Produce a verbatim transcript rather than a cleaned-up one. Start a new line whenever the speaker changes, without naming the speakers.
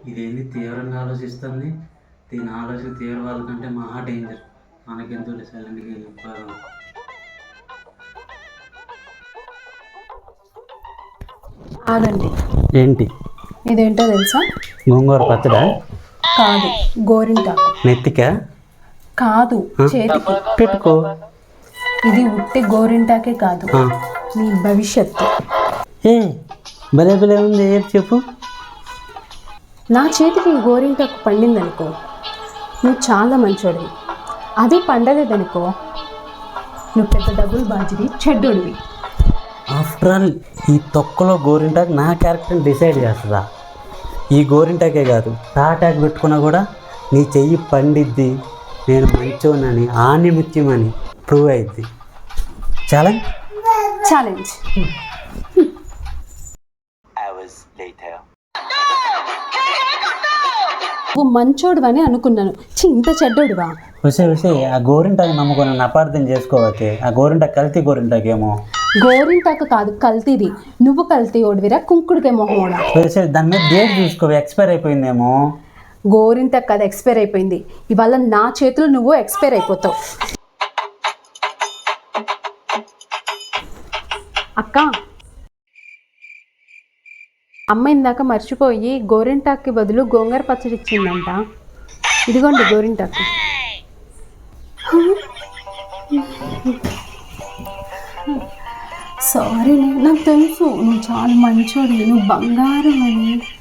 ఇదేంది తీవ్రంగా ఆలోచిస్తుంది. దీని ఆలోచన తీవ్రవాద కంటే మహా డేంజర్. మనకెందుకు సైలెంట్గా వెళ్ళిపోదాం.
ఆగండి.
ఏంటి?
ఇదేంటో తెలుసా?
గోంగూర పచ్చడా?
కాదు, గోరింటాకు.
నెత్తికా?
కాదు, చేతికి
పెట్టుకో.
ఇది ఉట్టి గోరింటాకే కాదు, నీ భవిష్యత్తు.
ఏ భలే భలే ఉంది. ఏది చెప్పు.
నా చేతికి ఈ గోరింటాకు పండిందనుకో, నువ్వు చాలా మంచోడివి. అది పండలేదనుకో, నువ్వు పెద్ద డబ్బులు బాజివి, చెడ్డోడివి.
ఆఫ్టర్ ఆల్ ఈ తొక్కలో గోరింటాకు నా క్యారెక్టర్ని డిసైడ్ చేస్తుందా? ఈ గోరింటాకే కాదు, తాటాకు పెట్టుకున్నా కూడా నీ చెయ్యి పండిద్ది, నేను మంచోనని ఆనిముత్యమని ప్రూవ్ అయింది. ఛాలెంజ్
ఛాలెంజ్ నువ్వు మంచోడు అని అనుకున్నాను. చి, ఇంత చెడ్డోడువా?
వసే వసే ఆ గోరింటాకు నమ్ముకొని నన్ను అపార్థం చేసుకోవచ్చే. ఆ గోరింటాకు కల్తీ గోరింటాకేమో.
గోరింటాకు కాదు, కల్తీది. నువ్వు కల్తీ ఓడివిరా, కుంకుడికే మొహమోడా.
వసే దాని మీద డేట్ చూసుకో, ఎక్స్పైర్ అయిపోయిందేమో.
గోరింటాకు కాదు, ఎక్స్పైర్ అయిపోయింది. ఇవాళ నా చేతులు నువ్వు ఎక్స్పైర్ అయిపోతావు. అక్క, అమ్మ ఇందాక మర్చిపోయి గోరింటాక్కి బదులు గోంగూర పచ్చడి ఇచ్చిందంట. ఇదిగోండి గోరింటాకు. సారీ, నాకు తెలుసు నువ్వు చాలా మంచోడి, నువ్వు బంగారం అని.